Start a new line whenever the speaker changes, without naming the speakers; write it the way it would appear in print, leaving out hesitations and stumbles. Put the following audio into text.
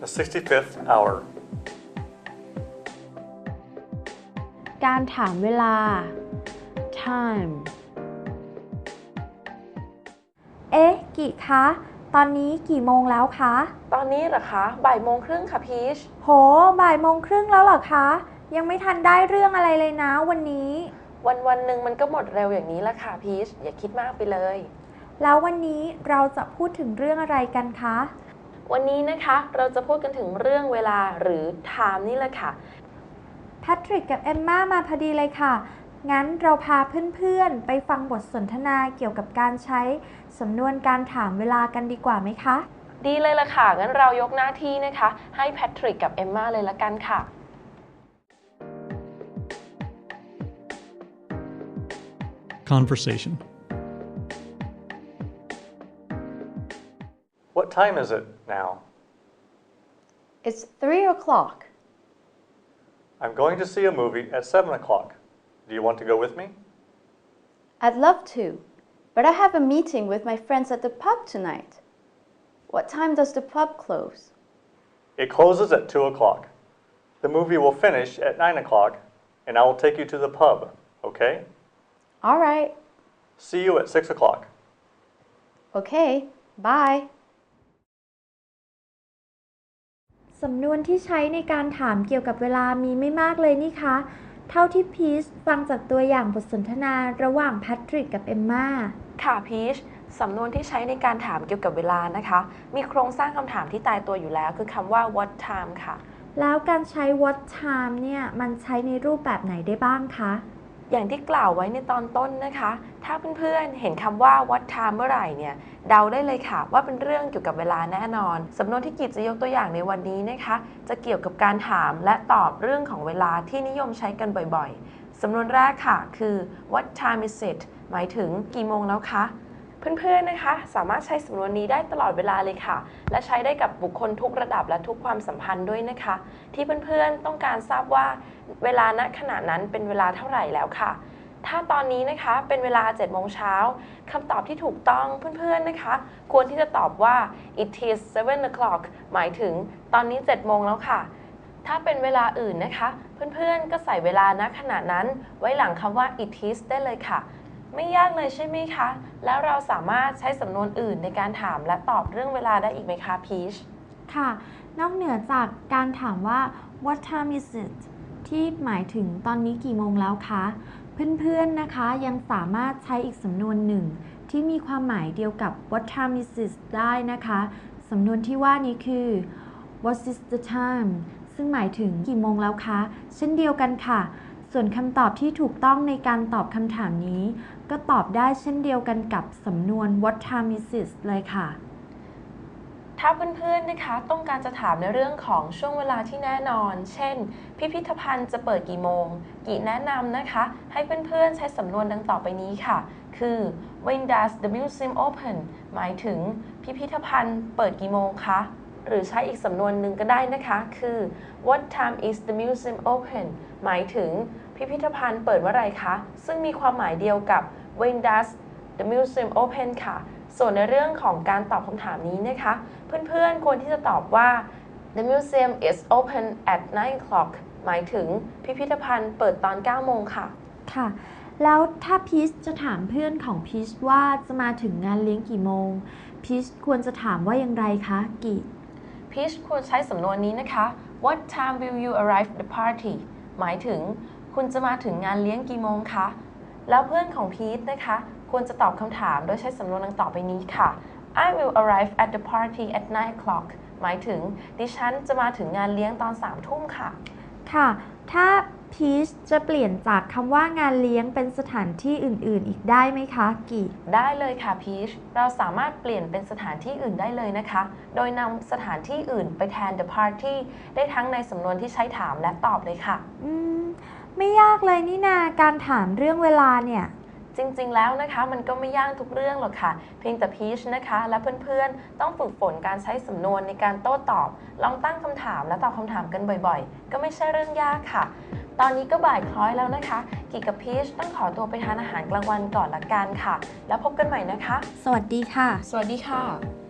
The 65th hour.
การถามเวลา time กี่คะตอนนี้กี่โมงแล้วคะ
ตอนนี้เหรอคะบ่ายโมงครึ่งค่ะพีช
โหบ่ายโมงครึ่งแล้วเหรอคะยังไม่ทันได้เรื่องอะไรเลยนะวันนี้
วันหนึ่งมันก็หมดเร็วอย่างนี้ละค่ะพีชอย่าคิดมากไปเลย
แล้ววันนี้เราจะพูดถึงเรื่องอะไรกันคะ
วันนี้นะคะเราจะพูดกันถึงเรื่องเวลาหรือ time นี่แหละค่ะ
แพทริกกับเอมม่ามาพอดีเลยค่ะงั้นเราพาเพื่อนๆไปฟังบทสนทนาเกี่ยวกับการใช้สำนวนการถามเวลากันดีกว่าไหมคะ
ดีเลยล่ะค่ะงั้นเรายกหน้าที่นะคะให้แพทริกกับเอมม่าเลยละกันค่ะ
Conversation.
What time is it now?
It's 3 o'clock.
I'm going to see a movie at 7 o'clock. Do you want to go with me?
I'd love to, but I have a meeting with my friends at the pub tonight. What time does the pub close?
It closes at 2 o'clock. The movie will finish at 9 o'clock, and I will take you to the pub, okay?
All right.
See you at 6 o'clock.
Okay. Bye.
สำนวนที่ใช้ในการถามเกี่ยวกับเวลามีไม่มากเลยนี่คะเท่าที่พีชฟังจากตัวอย่างบทสนทนาระหว่างแพทริกกับเอมม่า
ค่ะพีชสำนวนที่ใช้ในการถามเกี่ยวกับเวลานะคะมีโครงสร้างคำถามที่ตายตัวอยู่แล้วคือคำว่า what time ค่ะ
แล้วการใช้ what time เนี่ยมันใช้ในรูปแบบไหนได้บ้างคะ
อย่างที่กล่าวไว้ในตอนต้นนะคะถ้าเพื่อนๆเห็นคำว่า what time เมื่อไหร่เนี่ยเดาได้เลยค่ะว่าเป็นเรื่องเกี่ยวกับเวลาแน่นอนสำนวนที่กิจจะยกตัวอย่างในวันนี้นะคะจะเกี่ยวกับการถามและตอบเรื่องของเวลาที่นิยมใช้กันบ่อยๆสำนวนแรกค่ะคือ what time is it หมายถึงกี่โมงแล้วคะเพื่อนๆนะคะสามารถใช้สำนวนนี้ได้ตลอดเวลาเลยค่ะและใช้ได้กับบุคคลทุกระดับและทุกความสัมพันธ์ด้วยนะคะที่เพื่อนๆต้องการทราบว่าเวลาณขณะนั้นเป็นเวลาเท่าไหร่แล้วค่ะถ้าตอนนี้นะคะเป็นเวลา 7 โมงเช้าคำตอบที่ถูกต้องเพื่อนๆนะคะควรที่จะตอบว่า it is 7 o'clock หมายถึงตอนนี้ 7 โมงแล้วค่ะถ้าเป็นเวลาอื่นนะคะเพื่อนๆก็ใส่เวลาณขณะนั้นไว้หลังคำว่า it is ได้เลยค่ะไม่ยากเลยใช่ไหมคะแล้วเราสามารถใช้สำนวนอื่นในการถามและตอบเรื่องเวลาได้อีกไหมคะพีช
ค่ะนอกเหนือจากการถามว่า what time is it ที่หมายถึงตอนนี้กี่โมงแล้วคะเพื่อนๆนะคะยังสามารถใช้อีกสำนวนหนึ่งที่มีความหมายเดียวกับ what time is it ได้นะคะสำนวนที่ว่านี้คือ what is the time ซึ่งหมายถึงกี่โมงแล้วคะเช่นเดียวกันค่ะส่วนคำตอบที่ถูกต้องในการตอบคำถามนี้ก็ตอบได้เช่นเดียวกันกับสำนวน what time is it เลยค่ะ
ถ้าเพื่อนๆนะคะต้องการจะถามในเรื่องของช่วงเวลาที่แน่นอนเช่นพิพิธภัณฑ์จะเปิดกี่โมงกี่แนะนำนะคะให้เพื่อนๆใช้สำนวนดังต่อไปนี้ค่ะคือ when does the museum open หมายถึงพิพิธภัณฑ์เปิดกี่โมงคะหรือใช้อีกสำนวนหนึ่งก็ได้นะคะคือ what time is the museum open หมายถึงพิพิธภัณฑ์เปิดเมื่อไหร่คะซึ่งมีความหมายเดียวกับ when does the museum open ค่ะส่วนในเรื่องของการตอบคำถามนี้นะคะเพื่อนๆควรที่จะตอบว่า the museum is open at 9 o'clock หมายถึงพิพิธภัณฑ์เปิดตอน 9 โมงค่ะ
ค่ะแล้วถ้าพีชจะถามเพื่อนของพีชว่าจะมาถึงงานเลี้ยงกี่โมงพีชควรจะถามว่าอย่างไรคะกี
พีชควรใช้สำนวนนี้นะคะ what time will you arrive at the party หมายถึงคุณจะมาถึงงานเลี้ยงกี่โมงคะแล้วเพื่อนของพีชนะคะควรจะตอบคำถามโดยใช้สำนวนดังต่อไปนี้ค่ะ I will arrive at the party at 9 o'clock หมายถึงดิฉันจะมาถึงงานเลี้ยงตอน 3 ทุ่มค่ะ
ค่ะถ้าพีชจะเปลี่ยนจากคำว่างานเลี้ยงเป็นสถานที่อื่นๆอีกได้ไหมคะกี
ได้เลยค่ะพีชเราสามารถเปลี่ยนเป็นสถานที่อื่นได้เลยนะคะโดยนำสถานที่อื่นไปแทน the party ได้ทั้งในสำนวนที่ใช้ถามและตอบเลยค่ะ
ไม่ยากเลยนี่นาการถามเรื่องเวลาเนี่ย
จริงๆแล้วนะคะมันก็ไม่ยากทุกเรื่องหรอกค่ะเพียงแต่พีชนะคะและเพื่อนๆต้องฝึกฝนการใช้สำนวนในการโต้ตอบลองตั้งคำถามและตอบคำถามกันบ่อยๆก็ไม่ใช่เรื่องยากค่ะตอนนี้ก็บ่ายคล้อยแล้วนะคะกีกับพีชต้องขอตัวไปทานอาหารกลางวันก่อนละกันค่ะแล้วพบกันใหม่นะคะ
สวัสดีค่ะ
สวัสดีค่ะ